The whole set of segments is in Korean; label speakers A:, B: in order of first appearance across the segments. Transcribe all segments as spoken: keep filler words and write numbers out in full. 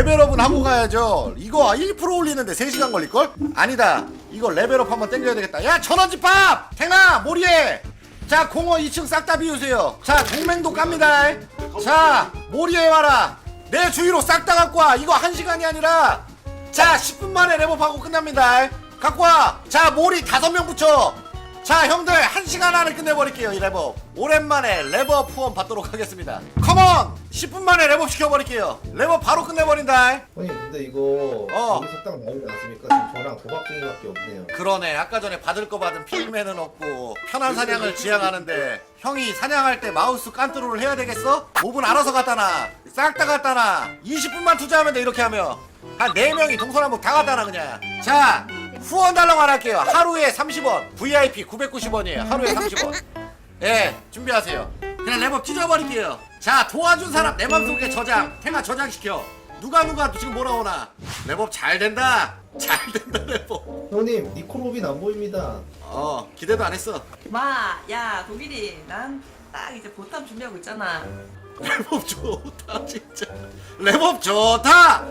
A: 레벨업은 하고 가야죠. 이거 일 퍼센트 올리는데 세 시간 걸릴걸? 아니다. 이거 레벨업 한번 땡겨야 되겠다. 야, 천원집합! 탱아, 모리에! 자, 공원 이 층 싹 다 비우세요. 자, 동맹도 깝니다. 자, 모리에 와라. 내 주위로 싹 다 갖고 와. 이거 한 시간이 아니라 자, 십 분 만에 레벨업하고 끝납니다. 갖고 와. 자, 모리 다섯 명 붙여. 자, 형들 한 시간 안에 끝내버릴게요. 이 랩업 오랜만에 랩업 후원 받도록 하겠습니다. 컴온! 십 분 만에 랩업 시켜버릴게요. 랩업 바로 끝내버린다.
B: 형님 근데 이거
A: 어.
B: 여기서 딱 나오지 않습니까? 지금 저랑 도박쟁이밖에 없네요.
A: 그러네. 아까 전에 받을 거 받은 필맨은 없고 편한 사냥을 지향하는데 형이 사냥할 때 마우스 깐뚜루를 해야 되겠어? 몹은 알아서 갖다 놔. 싹 다 갖다 놔. 이십 분만 투자하면 돼. 이렇게 하면 한 네 명이 동서남북 다 갖다 놔 그냥. 자, 후원 달라고 안 할게요. 하루에 삼십 원. 브이아이피 구백구십 원이에요. 하루에 삼십 원. 예, 준비하세요. 그냥 랩업 찢어버릴게요. 자, 도와준 사람 내 맘속에 저장. 탱아 저장시켜. 누가 누가 지금 뭐라 오나. 랩업 잘 된다. 잘 된다 랩업.
B: 형님 니코로빈 안 보입니다.
A: 어, 기대도 안 했어.
C: 마, 야, 독일이 난 딱 이제 보탐 준비하고 있잖아.
A: 랩업 좋다 진짜. 랩업 좋다.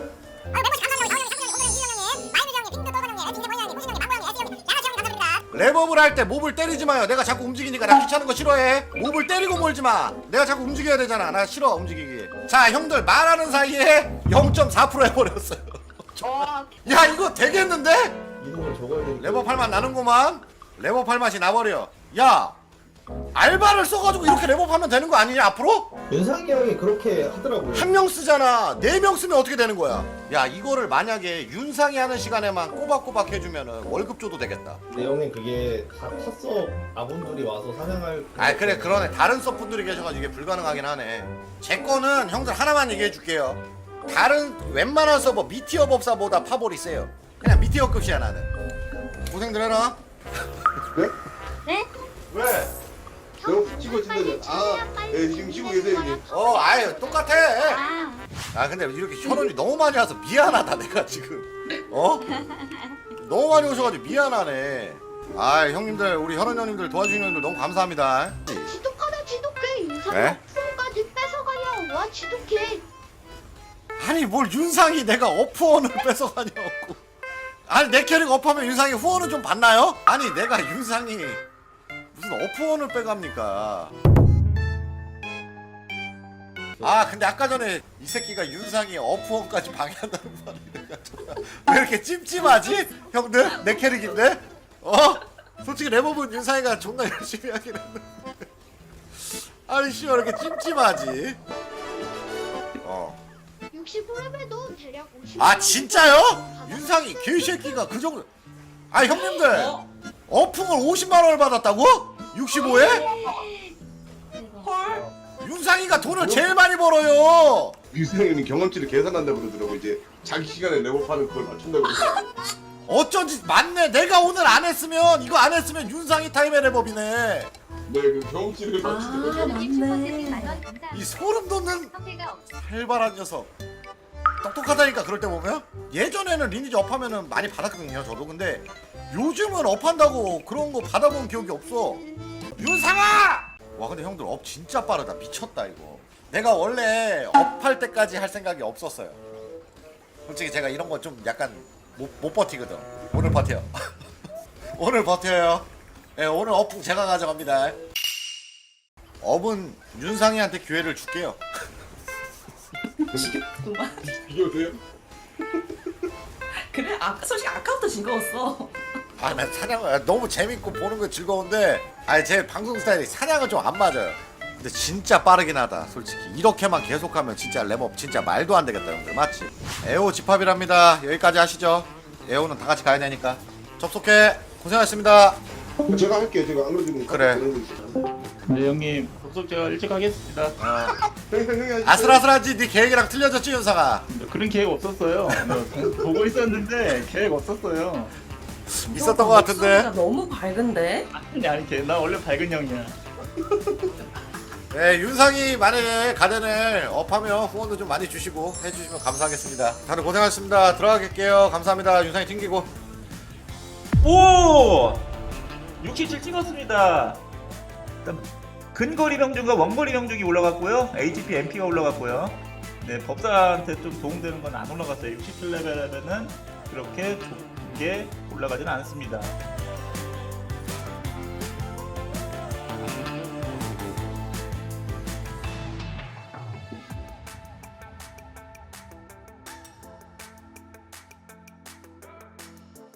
A: 랩업을 할 때 몹을 때리지 마요. 내가 자꾸 움직이니까 나 귀찮은 거 싫어해. 몹을 때리고 몰지 마. 내가 자꾸 움직여야 되잖아. 나 싫어 움직이기. 자, 형들 말하는 사이에 영 점 사 퍼센트 해버렸어요. 야, 이거 되겠는데?
B: 이동을 적어야 되니까.
A: 랩업 할 맛 나는구만. 랩업 할 맛이 나버려. 야, 알바를 써가지고 이렇게 랩업하면 되는 거 아니냐 앞으로?
B: 윤상이 형이 그렇게 하더라고요.
A: 한 명 쓰잖아. 네 명 쓰면 어떻게 되는 거야? 야, 이거를 만약에 윤상이 하는 시간에만 꼬박꼬박 해주면은 월급 줘도 되겠다.
B: 근데 형님 그게 다 컸어 아군들이 와서 사냥할.
A: 아, 그래, 그러네. 다른 서분들이 계셔가지고 이게 불가능하긴 하네. 제 거는 형들 하나만 얘기해줄게요. 다른 웬만한 서버 미티어 법사보다 파볼이 세요. 그냥 미티어급이야 나는. 고생들 해라.
D: 네?
E: 네?
A: 왜?
D: 내가 치고 있는데 아, 예, 지금 쉬고 계세요 형님.
A: 어, 아유 똑같아.
E: 아,
A: 아, 근데 이렇게 혈원이 너무 많이 와서 미안하다 내가 지금. 어? 너무 많이 오셔가지고 미안하네. 아, 형님들, 우리 혈원 형님들 도와주시는 형님들 너무 감사합니다.
E: 지독하다 지독해. 윤상
A: 네?
E: 어프까지 뺏어가냐. 와 지독해.
A: 아니, 뭘 윤상이 내가 어프원을 뺏어가냐고. 아니, 내 캐릭 업하면 윤상이 후원은 좀 받나요? 아니, 내가 윤상이 무슨 어프원을 빼갑니까? 아, 근데 아까 전에 이 새끼가 윤상이 어프원까지 방해한다는 말이 내가 정말 왜 이렇게 찜찜하지? 형들? 내 캐릭인데? 어? 솔직히 랩업은 윤상이가 존나 열심히 하긴 했는데 아니 씨, 왜 이렇게 찜찜하지? 어.
E: 육십오 레벨도 대략 오십.
A: 아, 진짜요? 윤상이 개새끼가 그 정도. 아, 형님들
C: 어?
A: 어풍을 오십만 원을 받았다고? 육십오에?
C: 헐?
A: 윤상이가 돈을 제일 많이 벌어요.
D: 유승현이 경험치를 계산한다 그러더라고. 이제 자기 시간에 랩업하는 그걸 맞춘다고 그러더라고.
A: 어쩐지 맞네. 내가 오늘 안 했으면 이거 안 했으면 윤상이 타임의 랩업이네.
D: 네, 그 경험치를
C: 아,
D: 맞추더라고.
C: 맞네.
A: 이 소름 돋는 활발한 녀석. 똑똑하다니까 그럴 때 보면. 예전에는 리니지 업하면은 많이 받았거든요 저도. 근데 요즘은 업한다고 그런 거 받아본 기억이 없어. 윤상아! 와, 근데 형들 업 진짜 빠르다. 미쳤다 이거. 내가 원래 업할 때까지 할 생각이 없었어요. 솔직히 제가 이런 거 좀 약간 못, 못 버티거든. 오늘 버텨요. 오늘 버텨요. 예, 네, 오늘 업풍 제가 가져갑니다. 업은 윤상이한테 기회를 줄게요.
C: 지겹구만.
D: 비교돼요?
C: 그래? 아, 솔직히 아까부터 즐거웠어.
A: 아, 난 사냥 너무 재밌고 보는 거 즐거운데, 아니 제 방송 스타일이 사냥은 좀 안 맞아요. 근데 진짜 빠르긴 하다 솔직히. 이렇게만 계속하면 진짜 랩업 진짜 말도 안 되겠다 형들. 맞지? 에오 집합이랍니다. 여기까지 하시죠. 에오는 다 같이 가야 되니까. 접속해. 고생하셨습니다.
D: 제가 할게요. 제가 안 그래도
A: 그래.
F: 네 형님 접속 제가 일찍 하겠습니다.
A: 어.
D: 형님 형님 하시죠.
A: 아슬아슬하지. 네 계획이랑 틀려졌지 윤상아?
F: 그런 계획 없었어요. 네, 보고 있었는데 계획 없었어요.
A: 있었던 것 같은데.
C: 목소리가 너무 밝은데?
F: 아니 아니 걔- 나 원래 밝은 형이야.
A: 네, 윤상이 만약에 가den을 업하면 후원도 좀 많이 주시고 해주시면 감사하겠습니다. 다들 고생하셨습니다. 들어가겠게요. 감사합니다. 윤상이 튕기고.
G: 오! 육십칠 찍었습니다. 일단 근거리 명중과 원거리 명중이 올라갔고요. 에이치피, 엠피가 올라갔고요. 네, 법사한테 좀 도움되는 건 안 올라갔어요. 육십칠 레벨에는 그렇게 좋게 올라가지는 않습니다.